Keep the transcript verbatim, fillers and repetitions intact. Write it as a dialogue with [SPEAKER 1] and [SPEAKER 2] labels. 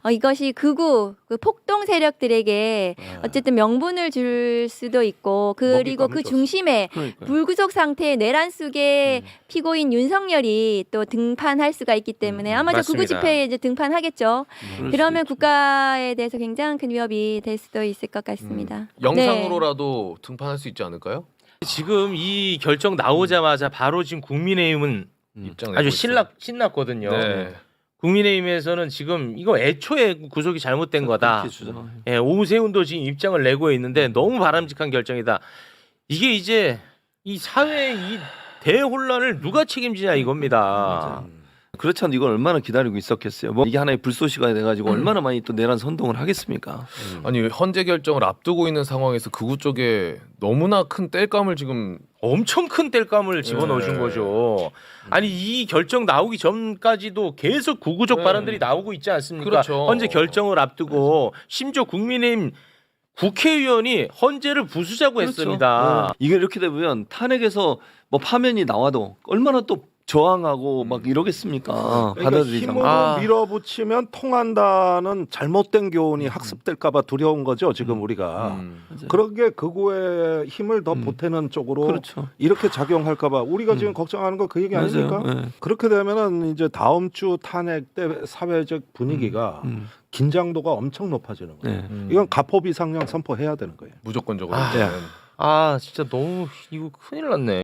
[SPEAKER 1] 어, 이것이 극우 그 폭동 세력들에게
[SPEAKER 2] 네.
[SPEAKER 1] 어쨌든 명분을 줄 수도 있고 그리고 그
[SPEAKER 2] 먹잇감을
[SPEAKER 1] 중심에
[SPEAKER 3] 그러니까요.
[SPEAKER 1] 불구속 상태의 내란 속에
[SPEAKER 3] 음.
[SPEAKER 1] 피고인 윤석열이 또 등판할 수가 있기 때문에
[SPEAKER 3] 음,
[SPEAKER 1] 아마 저
[SPEAKER 3] 맞습니다.
[SPEAKER 1] 극우 집회에 이제 등판하겠죠.
[SPEAKER 3] 그럴
[SPEAKER 1] 그러면
[SPEAKER 3] 수도 있죠.
[SPEAKER 1] 국가에 대해서 굉장히 큰 위협이 될 수도 있을 것 같습니다.
[SPEAKER 4] 음, 영상으로라도 등판할 수 있지 않을까요?
[SPEAKER 3] 지금 이 결정 나오자마자 바로 지금 국민의힘은
[SPEAKER 4] 음. 입장
[SPEAKER 3] 아주
[SPEAKER 4] 내고
[SPEAKER 3] 신락 신났거든요.
[SPEAKER 4] 네.
[SPEAKER 3] 국민의힘에서는 지금 이거 애초에 구속이 잘못된 거다.
[SPEAKER 2] 그렇게 주장해요.
[SPEAKER 3] 예, 오세훈도 지금 입장을 내고 있는데 너무 바람직한 결정이다. 이게 이제 이 사회의 이 대혼란을 누가 책임지냐 이겁니다.
[SPEAKER 2] 그렇지 않아도 이걸 얼마나 기다리고 있었겠어요. 뭐 이게 하나의 불쏘시가 돼가지고 얼마나 많이 또 내란 선동을 하겠습니까?
[SPEAKER 4] 아니 헌재 결정을 앞두고 있는 상황에서 극우 쪽에 너무나 큰 땔감을 지금
[SPEAKER 3] 엄청 큰 땔감을 집어넣으신
[SPEAKER 4] 네.
[SPEAKER 3] 거죠. 아니 이 결정 나오기 전까지도 계속 구구적
[SPEAKER 4] 네.
[SPEAKER 3] 발언들이 나오고 있지 않습니까?
[SPEAKER 4] 그렇죠.
[SPEAKER 3] 헌재 결정을 앞두고 심지어 국민의힘 국회의원이 헌재를 부수자고
[SPEAKER 2] 그렇죠.
[SPEAKER 3] 했습니다.
[SPEAKER 2] 네. 이게 이렇게 되면 탄핵에서 뭐 파면이 나와도 얼마나 또 저항하고 막 이러겠습니까?
[SPEAKER 5] 그러니까
[SPEAKER 2] 받아들이지
[SPEAKER 5] 힘으로
[SPEAKER 2] 않고.
[SPEAKER 3] 아.
[SPEAKER 5] 밀어붙이면 통한다는 잘못된 교훈이 학습될까봐 두려운 거죠 지금 우리가.
[SPEAKER 4] 음.
[SPEAKER 5] 그런 게 극우의 힘을 더
[SPEAKER 2] 음.
[SPEAKER 5] 보태는 쪽으로
[SPEAKER 2] 그렇죠.
[SPEAKER 5] 이렇게 작용할까봐 우리가
[SPEAKER 2] 음.
[SPEAKER 5] 지금 걱정하는 거 그 얘기
[SPEAKER 2] 맞아요.
[SPEAKER 5] 아닙니까?
[SPEAKER 2] 네.
[SPEAKER 5] 그렇게 되면은 이제 다음 주 탄핵 때 사회적 분위기가
[SPEAKER 2] 음.
[SPEAKER 5] 긴장도가 엄청 높아지는 거예요.
[SPEAKER 2] 네.
[SPEAKER 4] 음.
[SPEAKER 5] 이건 가포 비상령 선포해야 되는 거예요.
[SPEAKER 4] 무조건적으로.
[SPEAKER 3] 아.
[SPEAKER 4] 네.
[SPEAKER 3] 아 진짜 너무 이거 큰일 났네.